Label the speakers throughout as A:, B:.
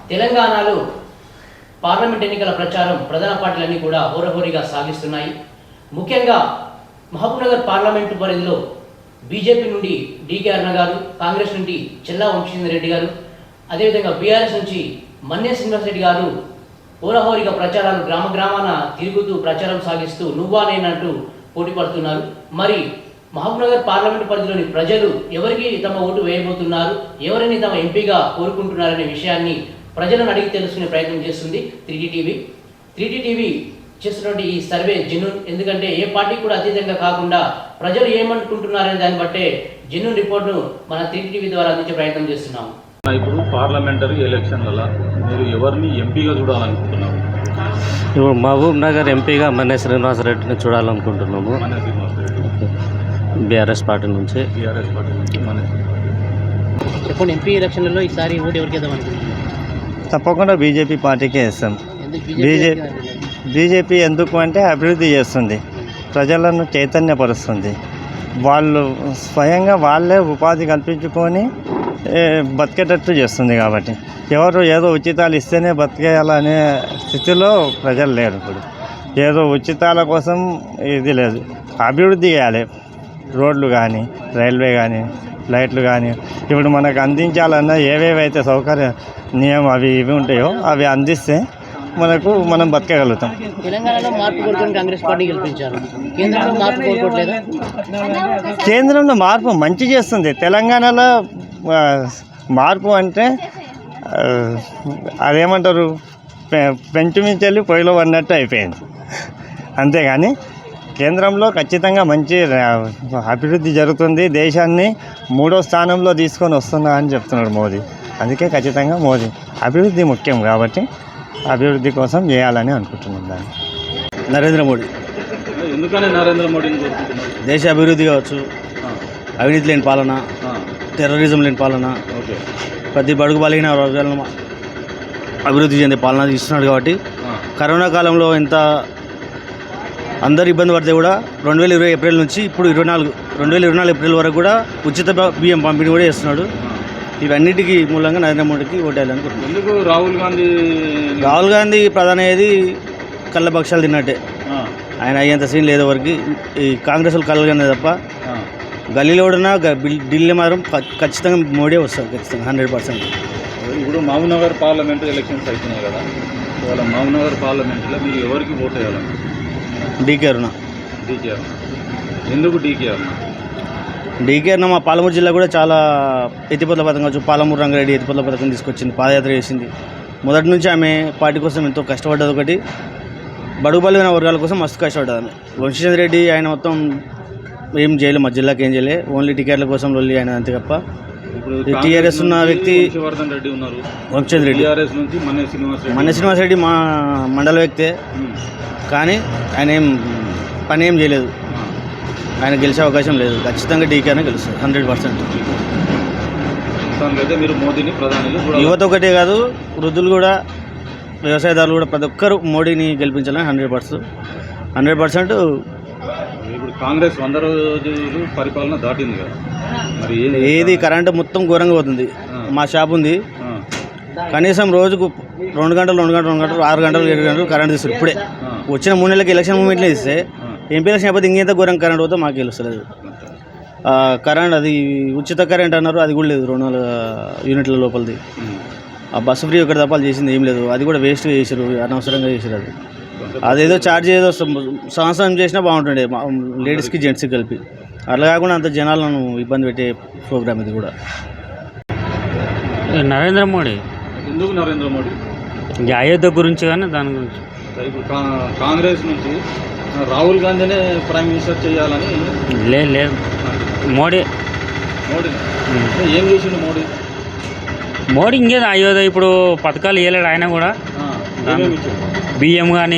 A: తెలంగాణలో పార్లమెంట్ ఎన్నికల ప్రచారం ప్రధాన పార్టీలన్నీ కూడా హోరహోరీగా సాగిస్తున్నాయి. ముఖ్యంగా మహబూబ్నగర్ పార్లమెంటు పరిధిలో బీజేపీ నుండి డీకే అరుణ గారు, కాంగ్రెస్ నుండి చెల్లా వంశీధర్ రెడ్డి గారు, అదేవిధంగా బీఆర్ఎస్ నుంచి మన్నే శ్రీనివాస్ రెడ్డి గారు హోరహోరీగా ప్రచారాలు గ్రామ గ్రామాన తిరుగుతూ ప్రచారం సాగిస్తూ నువ్వా నేనంటూ పోటీ పడుతున్నారు. మరి మహబూబ్నగర్ పార్లమెంటు పరిధిలోని ప్రజలు ఎవరికి తమ ఓటు వేయబోతున్నారు, ఎవరిని తమ ఎంపీగా కోరుకుంటున్నారనే విషయాన్ని ప్రజలను అడిగి తెలుసుకునే ప్రయత్నం చేస్తుంది 3T టీవీ చేస్తున్నటువంటి ఈ సర్వే జెన్యూన్. ఎందుకంటే ఏ పార్టీ కూడా అతీతంగా కాకుండా ప్రజలు ఏమనుకుంటున్నారనే దాన్ని బట్టే జెన్యూన్ రిపోర్ట్ను మన 3T టీవీ ద్వారా అందించే ప్రయత్నం చేస్తున్నాము.
B: ఇప్పుడు పార్లమెంటరీ ఎలక్షన్లలో మీరు ఎవరిని ఎంపీగా చూడాలనుకుంటున్నారు?
C: ఇప్పుడు మహబూబ్ నగర్ ఎంపీగా మన్నే శ్రీనివాస్ రెడ్డిని చూడాలనుకుంటున్నాము.
B: మన్నే శ్రీనివాస్ రెడ్డి
C: బీఆర్ఎస్ పార్టీ నుంచి.
A: చెప్పండి, ఎంపీ ఎలక్షన్లలో ఈసారి ఓటు ఎవరికి వేద్దాం అనుకుంటున్నారు?
D: తప్పకుండా బీజేపీ పార్టీకే ఇస్తాం. బీజేపీ ఎందుకు అంటే అభివృద్ధి చేస్తుంది, ప్రజలను చైతన్యపరుస్తుంది. వాళ్ళు స్వయంగా వాళ్ళే ఉపాధి కల్పించుకొని బతికేటట్టు చేస్తుంది. కాబట్టి ఎవరు ఏదో ఉచితాలు ఇస్తేనే బతికేయాలనే స్థితిలో ప్రజలు లేరు. ఇప్పుడు ఏదో ఉచితాల కోసం ఇది లేదు, అభివృద్ధి చేయాలి. రోడ్లు కానీ, రైల్వే కానీ, లైట్లు కానీ ఇప్పుడు మనకు అందించాలన్నా ఏవేవైతే సౌకర్యం అవి ఇవి ఉంటాయో అవి అందిస్తే మనం బతకగలుగుతాం.
A: తెలంగాణలో మార్పు కోరుకొని కాంగ్రెస్ పార్టీ గెలిపించారు, కేంద్రంలో మార్పు కోరుకోవట్లేదా?
D: కేంద్రంలో మార్పు మంచి చేస్తుంది. తెలంగాణలో మార్పు అంటే అదేమంటారు, పెంచుమించెల్లి పొయ్యిలో పడినట్టు అయిపోయింది. అంతేగాని కేంద్రంలో ఖచ్చితంగా మంచి అభివృద్ధి జరుగుతుంది. దేశాన్ని 3వ స్థానంలో తీసుకొని వస్తున్నా అని చెప్తున్నాడు మోదీ. అందుకే ఖచ్చితంగా మోదీ అభివృద్ధి ముఖ్యం కాబట్టి అభివృద్ధి కోసం చేయాలని అనుకుంటున్నాం. దాన్ని
C: నరేంద్ర మోడీ.
B: ఎందుకని నరేంద్ర మోడీని కోరుకుంటున్నారు?
C: దేశ అభివృద్ధి కావచ్చు, అవినీతి లేని పాలన, టెర్రరిజం లేని పాలన, ప్రతి బడుగు బలిగిన వర్గాలను అభివృద్ధి చెందే పాలన ఇస్తున్నాడు. కాబట్టి కరోనా కాలంలో ఎంత అందరు ఇబ్బంది పడితే కూడా 2020 ఏప్రిల్ నుంచి ఇప్పుడు 2024 ఏప్రిల్ వరకు కూడా ఉచిత బియ్యం పంపిణీ కూడా చేస్తున్నాడు. ఇవన్నిటికీ మూలంగా నరేంద్ర మోడీకి ఓటేయాలనుకుంటున్నాను.
B: ఎందుకు
C: రాహుల్ గాంధీ ప్రధాని అయ్యేది కళ్ళ పక్షాలు తిన్నట్టే. ఆయన అయ్యేంత సీన్ లేదు వరకు. ఈ కాంగ్రెస్ వాళ్ళు కలగానే తప్ప గల్లీలో కూడా ఢిల్లీ మాత్రం ఖచ్చితంగా మోడీ వస్తారు, ఖచ్చితంగా 100%.
B: ఇప్పుడు మహబూబ్నగర్ పార్లమెంట్ ఎలక్షన్స్ అవుతున్నాయి కదా, ఇవాళ మహబూబ్నగర్ పార్లమెంట్లో మీరు ఎవరికి ఓటు వేయాలన్నా?
C: డీకే అరుణ.
B: ఎందుకు డీకే అరుణ?
C: మా పాలమూరు జిల్లా కూడా చాలా ఎత్తిపోతల పథకం కావచ్చు, పాలమూరు రంగారెడ్డి ఎత్తిపోతల పథకం తీసుకొచ్చింది, పాదయాత్ర చేసింది. మొదటి నుంచి ఆమె పార్టీ కోసం ఎంతో కష్టపడ్డది. ఒకటి బడుగు బలిగిన వర్గాల కోసం మస్తు కష్టపడ్డది ఆమె. వంశీధర్ రెడ్డి ఆయన మొత్తం ఏం చేయలే, మా జిల్లాకి ఏం చేయలే, ఓన్లీ టికెట్ల కోసం లొల్లి ఆయన అంతే తప్ప.
B: ఇప్పుడు
C: టీఆర్ఎస్ ఉన్న వ్యక్తి
B: రెడ్డి ఉన్నారు,
C: వంశీధర్ రెడ్డి.
B: నుంచి మన్నే
C: శ్రీనివాస్ రెడ్డి మా మండల వ్యక్తే, కానీ ఆయన ఏం పని ఏం చేయలేదు. ఆయన గెలిచే అవకాశం లేదు. ఖచ్చితంగా డీకేనే గెలుస్తుంది 100%.
B: మీరు మోదీని ప్రధానిగా
C: యువత ఒకటే కాదు, వృద్ధులు కూడా, వ్యవసాయదారులు కూడా ప్రతి ఒక్కరు మోడీని గెలిపించాలని 100%.
B: ఇప్పుడు కాంగ్రెస్ 100 రోజులు పరిపాలన దాటింది కదా, మరి
C: ఏది కరెంటు మొత్తం ఘోరంగా పోతుంది. మా షాప్ ఉంది, కనీసం రోజుకు 2 గంటలు 6 గంటలు 7 గంటలు కరెంట్ తీస్తారు. ఇప్పుడే వచ్చిన 3 నెలలకి ఎలక్షన్ మూమెంట్లో ఇస్తే ఎంపీ ఎలక్షన్ అయిపోతే ఇంకెంత ఘోరం కరెంట్ పోతే మాకు తెలుస్తలేదు. కరెంట్ అది ఉచిత కరెంట్ అన్నారు, అది కూడా లేదు. 200 యూనిట్ల లోపలిది. ఆ బస్సు ఫ్రీ ఒకటి తప్పాలు చేసింది ఏం లేదు. అది కూడా వేస్ట్గా చేశారు, అనవసరంగా చేశారు. అదేదో ఛార్జ్ ఏదో సంవత్సరం చేసినా బాగుంటుండే, లేడీస్కి జెంట్స్కి కలిపి. అట్లా కాకుండా అంత జనాలను ఇబ్బంది పెట్టే ప్రోగ్రామ్ ఇది కూడా.
E: నరేంద్ర మోడీ.
B: ఎందుకు నరేంద్ర మోడీ?
E: అయోధ్య గురించి కానీ దాని గురించి.
B: ఇప్పుడు కాంగ్రెస్ నుంచి రాహుల్ గాంధీనే ప్రైమ్ మినిస్టర్ చేయాలని.
E: లేదు మోడీ.
B: ఏం చేసిండు మోడీ?
E: ఇంకేదో అయోధ్య ఇప్పుడు పథకాలు ఇవ్వలేడు ఆయన కూడా. బియ్యం కానీ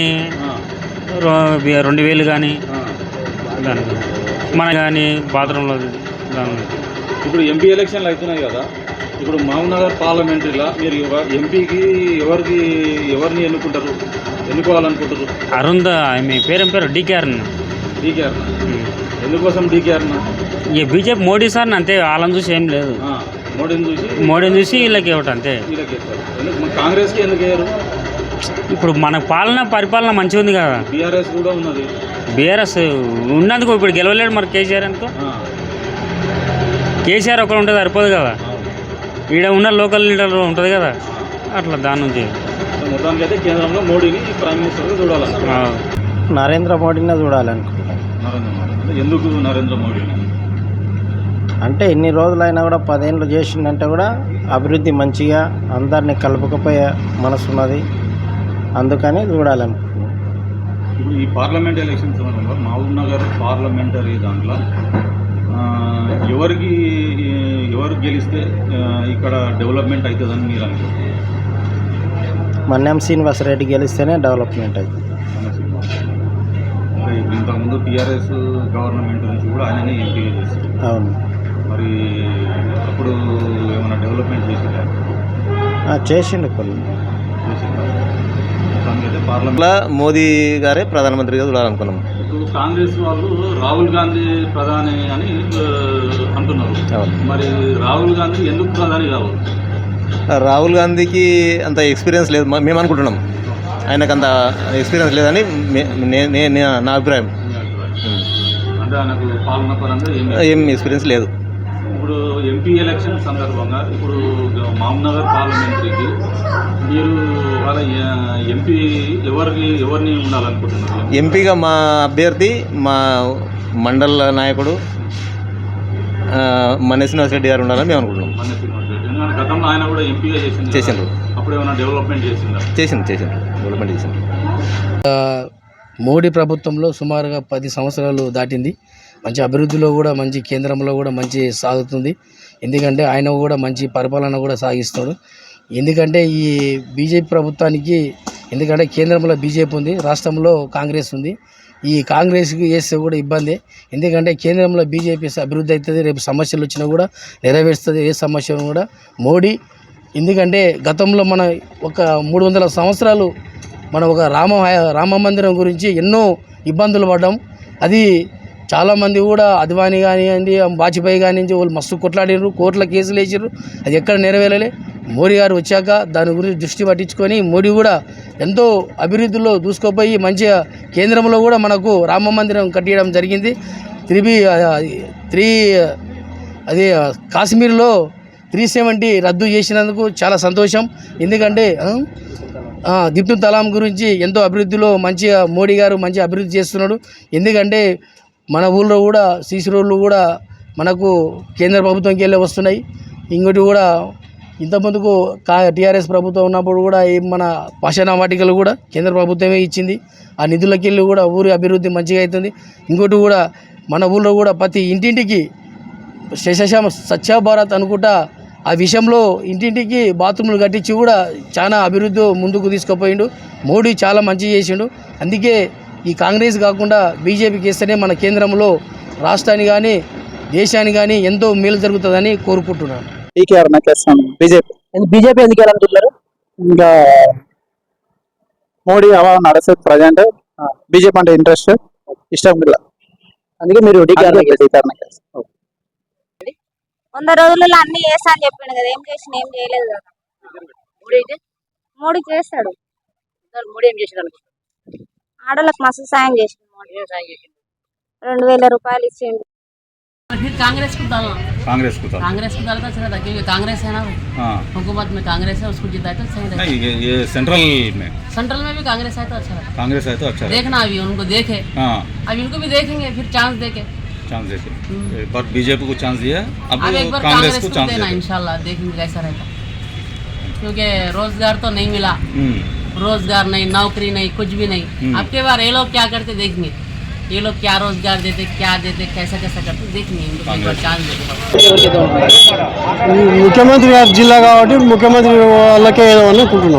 E: 2000 కానీ దానికి మన కానీ బాత్రూంలో దాని.
B: ఇప్పుడు ఎంపీ ఎలక్షన్లు అవుతున్నాయి కదా, ఇప్పుడు మహబూబ్నగర్ పార్లమెంటరీలో మీరు ఎంపీకి ఎవరిని ఎన్నుకోవాలనుకుంటారు?
E: అరుంధ మీ పేరు డీకే అరుణ.
B: ఎందుకోసం DK Aruna?
E: BJP Modi sir అంతే, వాళ్ళని చూసి ఏం లేదు. మోడీని చూసి వీళ్ళకి ఇవ్వటం అంతే.
B: వీళ్ళకి వేస్తారు. ఎందుకు మన కాంగ్రెస్కి ఎందుకు వేయరు?
E: ఇప్పుడు మన పరిపాలన మంచిగా ఉంది కదా.
B: బీఆర్ఎస్ కూడా ఉన్నది.
E: బీఆర్ఎస్ ఉన్నందుకు ఇప్పుడు గెలవలేడు మరి కేసీఆర్ అనుకో. కేసీఆర్ ఒకరు ఉంటుంది సరిపోదు కదా, ఈడ ఉన్న లోకల్ లీడర్ ఉంటుంది కదా, అట్లా దాని నుంచి
B: మొత్తానికి అయితే కేంద్రంలో మోడీని ప్రైమ్ మినిస్టర్గా చూడాలనుకుంటున్నాను.
C: నరేంద్ర మోడీనే చూడాలనుకుంటున్నాను.
B: నరేంద్ర మోడీ ఎందుకు నరేంద్ర మోడీని?
C: అంటే ఎన్ని రోజులైనా కూడా 10 ఏళ్ళు చేసిందంటే కూడా అభివృద్ధి మంచిగా అందరినీ కలుపుకపోయే మనసు ఉన్నది, అందుకని చూడాలనుకుంటున్నాను.
B: ఇప్పుడు ఈ పార్లమెంట్ ఎలక్షన్స్ సమయంలో మహబూబ్ నగర్ పార్లమెంటరీ దాంట్లో ఎవరు గెలిస్తే ఇక్కడ డెవలప్మెంట్ అవుతుందని మీరు అనుకుంటున్నారు?
C: మన్యం శ్రీనివాసరెడ్డి గెలిస్తేనే డెవలప్మెంట్ అవుతుంది.
B: ఇంతకుముందు టీఆర్ఎస్ గవర్నమెంట్ నుంచి కూడా ఆయననే ఎంపీగా చేశారు.
C: అవును.
B: మరి అప్పుడు ఏమైనా డెవలప్మెంట్ చేసిందా?
C: చేసిండు కొన్ని.
B: దానికైతే పార్లమెంట్లో
F: మోదీ గారే ప్రధానమంత్రిగా చూడాలనుకున్నాం.
B: ఇప్పుడు కాంగ్రెస్ వాళ్ళు రాహుల్ గాంధీ ప్రధాని అని అంటున్నారు. మరి రాహుల్ గాంధీ ఎందుకు ప్రధాని కావాలి?
F: రాహుల్ గాంధీకి అంత ఎక్స్పీరియన్స్ లేదు మేము అనుకుంటున్నాం. ఆయనకు అంత ఎక్స్పీరియన్స్ లేదని నా అభిప్రాయం.
B: అంటే ఆయనకు పాలన పరంగా
F: ఏం ఎక్స్పీరియన్స్ లేదు.
B: ఇప్పుడు ఎంపీ ఎలక్షన్ సందర్భంగా ఇప్పుడు మహబూబ్ నగర్ పార్లమెంటరీకి మీరు వాళ్ళ ఎంపీ ఎవరిని ఉండాలనుకుంటున్నారు?
F: ఎంపీగా మా అభ్యర్థి మా మండల నాయకుడు మన్య శ్రీనివాసరెడ్డి గారు ఉండాలని మేము అనుకుంటున్నాం.
B: మన్య శ్రీనివాసరెడ్డి ఎందుకంటే గతంలో ఆయన కూడా ఎంపీగా చేసిండ్రు. అప్పుడు ఏమైనా డెవలప్మెంట్ చేసిండ్రు డెవలప్మెంట్ చేసిండ్రు.
G: మోడీ ప్రభుత్వంలో సుమారుగా 10 సంవత్సరాలు దాటింది. మంచి అభివృద్ధిలో కూడా మంచి కేంద్రంలో కూడా మంచి సాగుతుంది. ఎందుకంటే ఆయన కూడా మంచి పరిపాలన కూడా సాగిస్తాడు. ఎందుకంటే ఈ బీజేపీ ప్రభుత్వానికి, ఎందుకంటే కేంద్రంలో బీజేపీ ఉంది, రాష్ట్రంలో కాంగ్రెస్ ఉంది. ఈ కాంగ్రెస్కి వేస్తే కూడా ఇబ్బంది. ఎందుకంటే కేంద్రంలో బీజేపీ అభివృద్ధి అవుతుంది, రేపు సమస్యలు వచ్చినా కూడా నెరవేరుస్తుంది ఏ సమస్యను కూడా మోడీ. ఎందుకంటే గతంలో మన ఒక 300 సంవత్సరాలు మనం ఒక రామ మందిరం గురించి ఎన్నో ఇబ్బందులు పడ్డాం. అది చాలామంది కూడా అద్వానీ కానివ్వండి, వాజ్పేయి కానివ్వండి, వాళ్ళు మస్తు కొట్లాడినారు, కోర్టుల కేసులు వేసారు, అది ఎక్కడ నెరవేరలే. మోడీ గారు వచ్చాక దాని గురించి దృష్టి పట్టించుకొని మోడీ కూడా ఎంతో అభివృద్ధిలో దూసుకుపోయి మంచిగా కేంద్రంలో కూడా మనకు రామ మందిరం కట్టియడం జరిగింది. అది కాశ్మీర్లో 370 రద్దు చేసినందుకు చాలా సంతోషం. ఎందుకంటే దిప్టు తలాం గురించి ఎంతో అభివృద్ధిలో మంచిగా మోడీ గారు మంచి అభివృద్ధి చేస్తున్నాడు. ఎందుకంటే మన ఊళ్ళో కూడా సీసీ రోడ్లు కూడా మనకు కేంద్ర ప్రభుత్వంకి వెళ్ళి వస్తున్నాయి. ఇంకోటి కూడా ఇంతకుముందుకు టీఆర్ఎస్ ప్రభుత్వం ఉన్నప్పుడు కూడా మన పాషాణ వాటికలు కూడా కేంద్ర ప్రభుత్వమే ఇచ్చింది. ఆ నిధులకి వెళ్ళి కూడా ఊరి అభివృద్ధి మంచిగా అవుతుంది. ఇంకోటి కూడా మన ఊళ్ళో కూడా ప్రతి ఇంటింటికి శేషశ్యామ స్వచ్ఛ భారత్ అనుకుంటా ఆ విషయంలో ఇంటింటికి బాత్రూములు కట్టించి కూడా చాలా అభివృద్ధి ముందుకు తీసుకుపోయిండు. మోడీ చాలా మంచి చేసిండు. అందుకే ఈ కాంగ్రెస్ కాకుండా బీజేపీకి ఇస్తేనే మన కేంద్రంలో రాష్ట్రాన్ని కానీ దేశానికి కానీ ఎంతో మేలు జరుగుతుందని కోరుకుంటున్నాను.
H: బీజేపీ ఎందుకు వెళ్ళాలంటున్నారు? ఇంకా మోడీ హవా నడుస్తుంది ప్రజెంట్. బీజేపీ అంటే ఇంట్రెస్ట్ ఇష్టం ఇలా, అందుకే మీరు
I: 100 రోజులలో అన్ని చేస్తా అని చెప్పిండు కదా, ఏం చేసిన ఏం చేయలేదు కదా. మోడీ చేస్తాడు.
A: మోడీ ఏం చేసిండు?
I: ఆడలకు మస్తు సాయం చేసిండు. 2000 రూపాయలు ఇచ్చిండు.
A: फिर कांग्रेस को डालना,
B: कांग्रेस को
A: डालता अच्छा रहता, क्योंकि कांग्रेस है ना, हुकूमत में कांग्रेस है, उसको जिताए तो सही रहता।
B: नहीं, ये सेंट्रल में
A: भी कांग्रेस है तो अच्छा रहता।
B: कांग्रेस है तो अच्छा
A: देखना अभी उनको देखे, अभी उनको भी देखेंगे, फिर चांस देके एक बार बीजेपी को चांस दिया, अब एक बार कांग्रेस को चांस देना इंशाल्लाह, देखेंगे कैसा रहता। क्योंकि रोजगार तो नहीं मिला, रोजगार नहीं, नौकरी नहीं, कुछ भी नहीं। अब के बार ये लोग क्या करते देखेंगे, ये लोग क्या रोजगार देते, क्या देते, कैसा कैसा करते देखेंगे, इनको एक बार चांस देते।
G: ముఖ్యమంత్రి గారి జిల్లా కాబట్టి ముఖ్యమంత్రి వాళ్ళకే వేయాలని అనుకుంటున్నాం.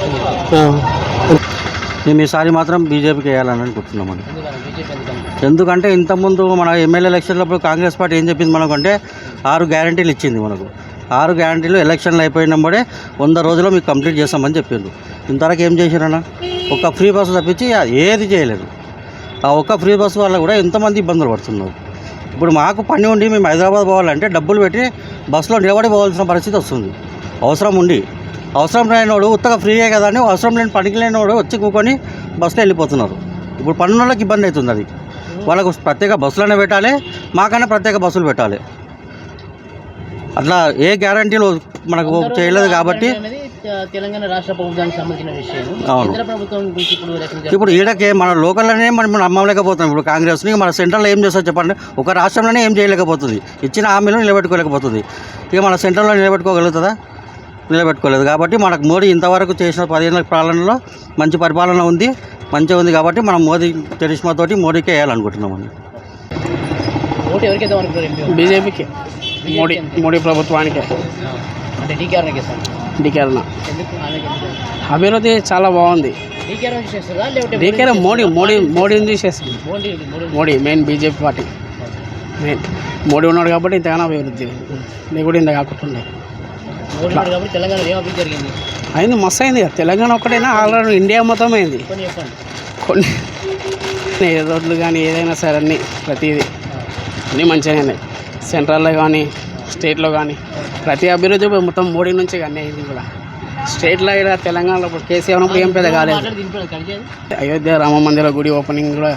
G: మేము ఈసారి మాత్రం బీజేపీకి వేయాలని అనుకుంటున్నాం. ఎందుకంటే ఇంతకుముందు మన ఎమ్మెల్యే ఎలక్షన్లప్పుడు కాంగ్రెస్ పార్టీ ఏం చెప్పింది మనకంటే 6 గ్యారంటీలు ఇచ్చింది మనకు. 6 గ్యారంటీలు ఎలక్షన్లు అయిపోయినప్పుడే 100 రోజుల్లో మీకు కంప్లీట్ చేస్తామని చెప్పిండు. ఇంతవరకు ఏం చేశారన్న? ఒక ఫ్రీ బస్సు తప్పించి ఏది చేయలేదు. ఆ ఒక్క ఫ్రీ బస్సు వల్ల కూడా ఎంతమంది ఇబ్బందులు పడుతున్నారు.
C: ఇప్పుడు మాకు పని ఉండి మేము హైదరాబాద్ పోవాలంటే డబ్బులు పెట్టి బస్సులో నిలబడి పోవాల్సిన పరిస్థితి వస్తుంది. అవసరం ఉండి, అవసరం లేనివాడు ఉత్తగా ఫ్రీయే కదా అని అవసరం లేని పనికి లేనివాడు వచ్చి కూకొని బస్సులో వెళ్ళిపోతున్నారు. ఇప్పుడు పన్ను వాళ్ళకి ఇబ్బంది అవుతుంది. అది వాళ్ళకు ప్రత్యేక బస్సులనే పెట్టాలి, మాకన్నా ప్రత్యేక బస్సులు పెట్టాలి. అట్లా ఏ గ్యారంటీలు మనకు చేయలేదు కాబట్టి
A: తెలంగాణ రాష్ట్ర ప్రభుత్వానికి సంబంధించిన విషయం.
C: అవును.
A: కేంద్ర ప్రభుత్వం గురించి
C: ఇప్పుడు ఈడకే మన లోకల్లోనే మనం నమ్మలేకపోతున్నాం. ఇప్పుడు కాంగ్రెస్ని మన సెంట్రల్లో ఏం చేస్తారు చెప్పండి. ఒక రాష్ట్రంలోనే ఏం చేయలేకపోతుంది, ఇచ్చిన హామీలు నిలబెట్టుకోలేకపోతుంది. ఇక మన సెంట్రల్లో నిలబెట్టుకోగలుగుతుందా? నిలబెట్టుకోలేదు. కాబట్టి మనకు మోడీ ఇంతవరకు చేసిన 15 ఏళ్ళ పాలనలో మంచి పరిపాలన ఉంది, మంచిగా ఉంది. కాబట్టి మనం మోదీ చరిష్మాతోటి మోడీకే వేయాలనుకుంటున్నామండి.
A: ఓటు ఎవరికి వేద్దాం అనుకుంటారు?
G: బీజేపీకి, మోడీ ప్రభుత్వానికి.
A: అంటే డీకేఆర్కి సార్.
G: డీకేఆర్
A: ఎందుకు ఆమెకి
G: అభివృద్ధి చాలా బాగుంది.
A: డీకేఆర్ చేస్తుందా లేకపోతే
G: డీకేఆర్ మోడీని చేస్తుంది. Modi main BJP party main Modi ఉన్నాడు కాబట్టి ఇంతగానో అభివృద్ధి లేకుంటే ఇంత కాకుండా
A: మోడీ ఉన్నాడు కాబట్టి తెలంగాణలో ఏం అభివృద్ధి జరిగింది?
G: అయింది, మస్తు అయింది. తెలంగాణ ఒక్కటైనా ఆల్రెడీ ఇండియా మొత్తం అయింది.
A: కొన్ని చెప్పండి.
G: కొన్ని రోడ్లు కానీ ఏదైనా సరే అన్నీ ప్రతిదీ అన్నీ మంచిగా ఉన్నాయి. సెంట్రల్లో కానీ స్టేట్లో కానీ ప్రతి అభివృద్ధి మొత్తం మోడీ నుంచి కానీ అయింది కూడా. స్టేట్లో ఇక్కడ తెలంగాణలో ఇప్పుడు కేసీఆర్ ఉన్నప్పుడు ఏం పెద్ద కాలేదు. అయోధ్య రామ మందిర గుడి ఓపెనింగ్ కూడా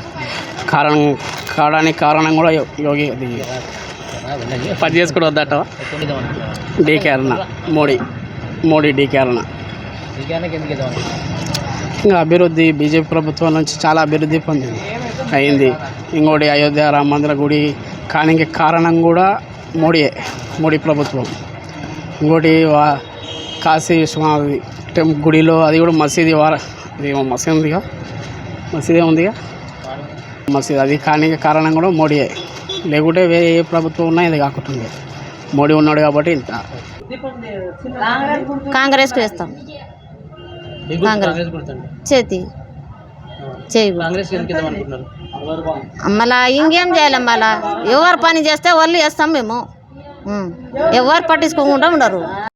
G: కారణం కూడా యోగి అది పని చేసుకుని వద్దట. డీకేఆర్ మోడీ డీకేఆర్ ఇంకా అభివృద్ధి బీజేపీ ప్రభుత్వం నుంచి చాలా అభివృద్ధి పొందింది అయింది. ఇంకోటి అయోధ్య రామ మందిర గుడి కానీ కారణం కూడా మోడీ ప్రభుత్వం. ఇంకోటి కాశీ విశ్వనాథ్ గుడిలో అది కూడా మసీదు మసీదే ఉందిగా మసీదు, అది కానీ కారణం కూడా మోడీయే. లేకుంటే వేరే ఏ ప్రభుత్వం ఉన్నా ఇది కాకుండా మోడీ ఉన్నాడు కాబట్టి ఇంత.
I: కాంగ్రెస్కి వేస్తాం. చేతి మళ్ళా ఇంకేం చేయాలి, మళ్ళా ఎవరు పని చేస్తే వాళ్ళు వేస్తాం మేము. ఎవరు పట్టించుకోకుండా ఉండరు.